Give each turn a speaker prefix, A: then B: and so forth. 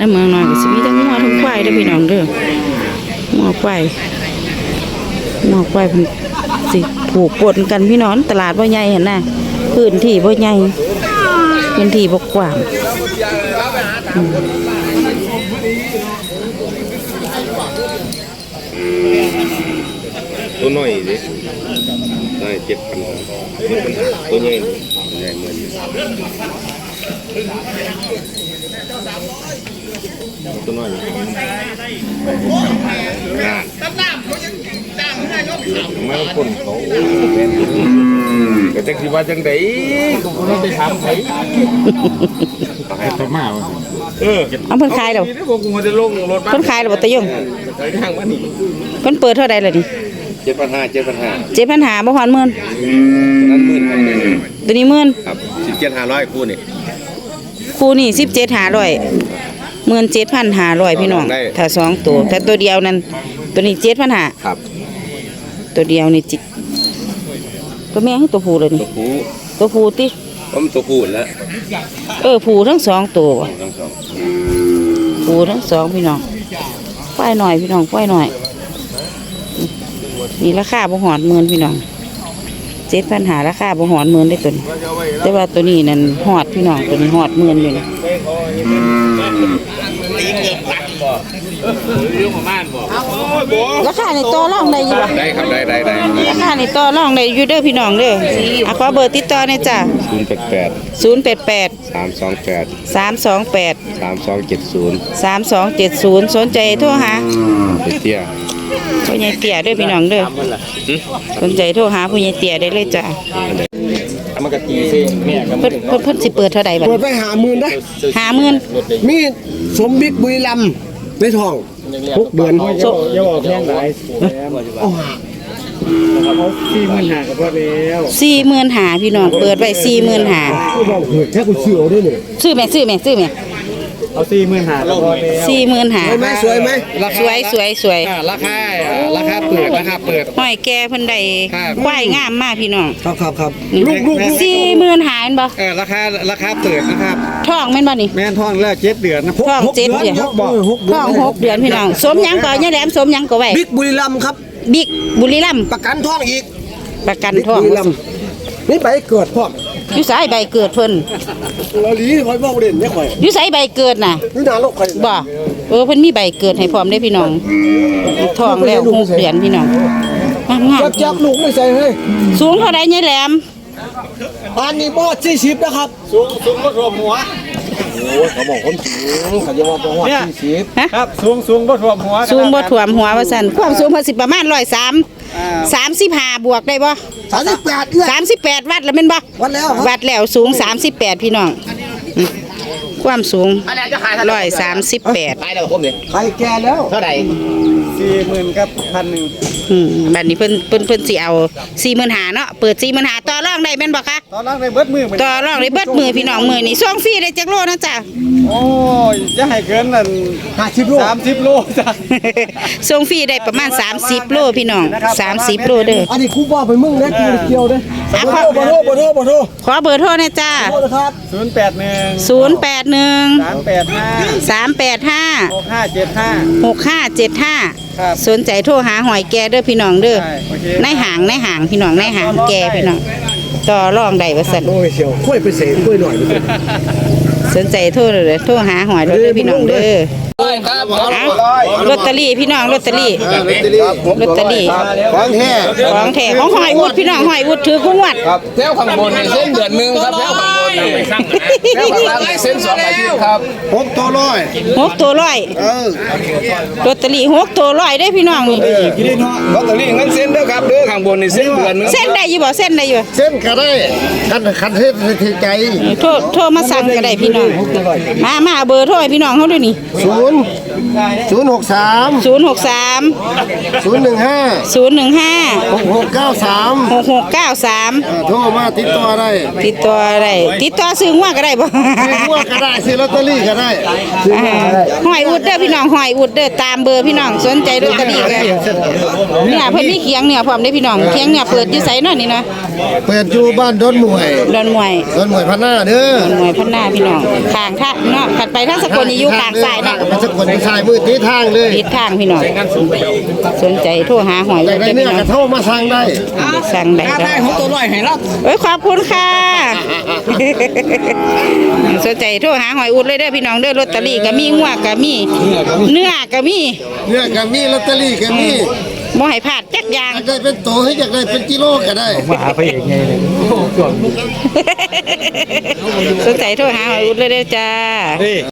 A: แล้วเมืองน้อยก็สิมีทั้งงัวทั้งควายเด้อพี่น้องเด้องัวควายเพิ่นสิผูกปนกันพี่น้องตลาดบ่ใหญ่เห็นน่ะพื้นที่บ่ใหญ่พื้นที่บ่กว้าง
B: ตัวน้อยดิได้7,000ตัวใหญ่เหมือนตัวน้อยไม่ต้องคนเขาแต่จังสิว่าจังไดก็บ่ต้องไปถามไผให้ตัวมาว่า
A: เอาเพิ่นขายแล้ว
B: พวกกูจะลงรถบ้าน
A: เพิ่นขายแล้วบ่ตะยง
B: ทางบ้านนี่
A: เพิ่นเปิดเท่าใดล่ะนี่7,500บ่ฮอดหมื่น
B: นั้นหมื่น
A: ตัวนี้หมื่น
B: ครับ17,500คู่นี่
A: คู่นี่17,500 17,500พี่น้องถ้า2ตัวถ้าตัวเดียวนั้นตัวนี้7,500
B: ครับ
A: ตัวเดียวนี่จิตัวแม่ให้ตัวผู้เลยนี่ตัวผู้ติ
B: ผมตัวผู้แล้ว
A: ผู้ทั้ง2ตัวผู้ทั้ง2พี่น้องควายหน่อยพี่น้องควายหน่อยนี่ราคาบ่ฮอดหมื่นพี่น้อง7,500ราคาบ่ฮอดหมื่นได้ตัวนี้แต่ว่าตัวนี้นั่นฮอดพี่น้องตัวนี้ฮอดหมื่นอยู่นะราคาในต่อรองได้อยู่บ่
B: ได้ครับได้
A: ราคาในต่อรองได้อยู่เด้อพี่น้องเด้อขอเบอร์ติดต่อหน่อยจ้ะ088 328 3270 สนใจโทรหา
B: เตี้ย
A: ผู้ใหญ่เตี้ยเด้อพี่น้องเด้อสนใจโทรหาผู้ใหญ่เตี้ยได้เลยจ้ะ
B: มันก็ตีซิแม่ก็
A: เพิ่นสิเปิดเท่าใดบัด
C: เปิดไป50,000นะ
A: 50,000
C: มีสมบิ๊กบุรีรัมย์ในท้อง6 เดือน
D: อย่าบอกแพงหลายเอาเขา45,000ก็พอแล้ว
A: 45,000พี่น้องเปิดไว้45,000
C: กูบอกเฮ้ยแค่กูซื้อเอาได้นี่
A: ซื้อแม่
D: เอา45,000ก็พอแล้ว
C: สวยไหม
A: สวย
D: ราคาเปิด
A: ห้อยแก่เพิ่นได้ควายงามมากพี่น้อง
C: ครับ
A: ลูก45,000แม่นบ่
D: ราคาเปิดนะครับ
A: ท้องแม่นบ่นี่
D: แม่นท้องแล้ว7 เดือนนะ
A: ท้อง7 เดือนท้อง6 เดือนพี่น้องสมหยังก็ยายแหลมสมหยังก็ไว้
C: บิ๊กบุรีรัมย์ครับ
A: บิ๊กบุรีรัมย์
C: ประกันท้องอีก
A: ประกันท้อง
C: บุรีรัมย์นี่ใบเกิดพร้อม
A: อยู่ไสใบเกิดเพิ่น
C: เราหลีค่อยบอกเด่นเนี่ยค่อย
A: อยู่ไสใบเกิดน่ะ
C: นี่นาโลกค่อย
A: บ่เพิ่นมีใบเกิดให้พร้อมได้พี่น้องท้องแล้ว6 เดือนพี่น้องงาม
C: จับลูกไม่ใส่เฮ้ย
A: สูงเท่าใดยายแหลม
C: อันนี้บ่40นะครับ
D: สูงบ่ท่วมหัว
C: โอ้เขาบอกคนสูงเขาจะว่าบ่ฮอด40
D: ครับสูงบ่ท่วมหัว
A: ว่าซั่นความสูงเพิ่นสิประมาณ135บวกได้บ่38วัดแล้วแม่นบ่วัดแล้วสูง38พี่น้องความสูง138
C: ขายแล้วผมนี่ขายแก่แล้ว
D: เท่าใด40,000กับ 1,000
A: บัดนี้เพิ่นสิเอา45,000เนาะเปิด45,000ต่อรองได้แม่นบ่คะ
D: ต่อรองได้เบิดมือ
A: พี่น้องมื้อนี้ส่งฟรีได้จักโลนะจ๊ะ
D: โอ้ยจะให้เกินนั่น
C: 50 โล
D: 30 โลจ้ะ
A: ส่งฟรีได้ประมาณ30 โลพี่น้อง30 โลเด้อ
C: อันนี้ครูว่าไปมึงนะกูเกี่ยวเด้อบ่โทร
A: ขอเบอร์โทรหน่อยจ้า
D: 081
A: 385 สนใจโทรหาหอยแกเด้อพี่น้องเด้อในห่างพี่น้องในห่างแกพี่น้องต่อรองได้ว่าซั่น
C: โอ้ยเชียวค่อยไปเสกค่อยหน่อย
A: สนใจโทรเลยโทรหาหอยเด้อพี่น้องเด้อลอตเตอรี่พี่น้องลอตเตอรี่ของแท้ของหอยวุฒิพี่น้องหอยวุฒิถือกุ้งวัด
B: ครับแถวข้างบนนี่เส้นเดือนนึงครับแถวข้างบนนี่แถวข้างล่างนี่เส้น2 อาทิตย์ครับ
C: 6 ตัว
A: ลอตเตอรี่6 ตัว100ได้พี่น้องนี่
B: ลอตเตอรี่งั้นเส้นเด้อครับเด้อข้างบนนี่เส้นเดือนนึง
A: เส้นได้อยู่บ่เส้นได้อยู่
C: เส้นก็ได้คันเฮ็ดถือใจ
A: โทรมาสั่งก็ได้พี่น้องมาเบอร์โทรให้พี่น้องเฮาด้วยนี่
C: 063 015
A: 6693
C: โทรมาติดต่อได้
A: ติดต่อซื้อหัวก็ได้บ่
C: ซื้อหัวก็ได้ซื้อลอตเตอรี่ก็ได้
A: หอยอุดเด้อพี่น้องหอยอุดเด้อตามเบอร์พี่น้องสนใจลอตเตอรี่ก็เนี่ยเพิ่นมีเคียงเนี่ยพร้อมเด้อพี่น้องเคียงเนี่ยเปิดอยู่ไสเนาะนี่นะ
C: เปิดอยู่บ้านดอนหมวย
A: ดอนมวย
C: ดอนหมวยพันหน้าเด้อ
A: ดอนมวยพันหน้าพี่น้องข้างทางเนาะขัดไปทางสกลนี่อยู่ข้างซ้ายเนาะ
C: มันสกลไปซ้ายมือที่ทางเลย
A: ทิศทางพี่น้องสนใจโทรหาหอย
C: อยากได้
A: เด้อ
C: เนื้
A: พี่
C: อ
A: น้อง
C: กระโทรมาสั่งได้
A: สั่งได้จ้ะ
D: ได้ของตัวลอยให้เรา
A: เอ้ยขอบคุณค่ะ สนใจโทรหาหอยอุดเลยเด้อพี่น้องเด้อลอตเตอรี่ก็มีงัวก็มีเนื้อก็มี
C: เนื้อก็มีลอตเตอรี่ก็มี
A: บ่ให้พลาดจักอย่าง
C: อยากได้เป็นโตให้อยากได้เป็นกิโลก็ได้
D: มาหาไปเองไงเลย
A: สนใจโทรหาหอยอุดเลยเด้อจ้า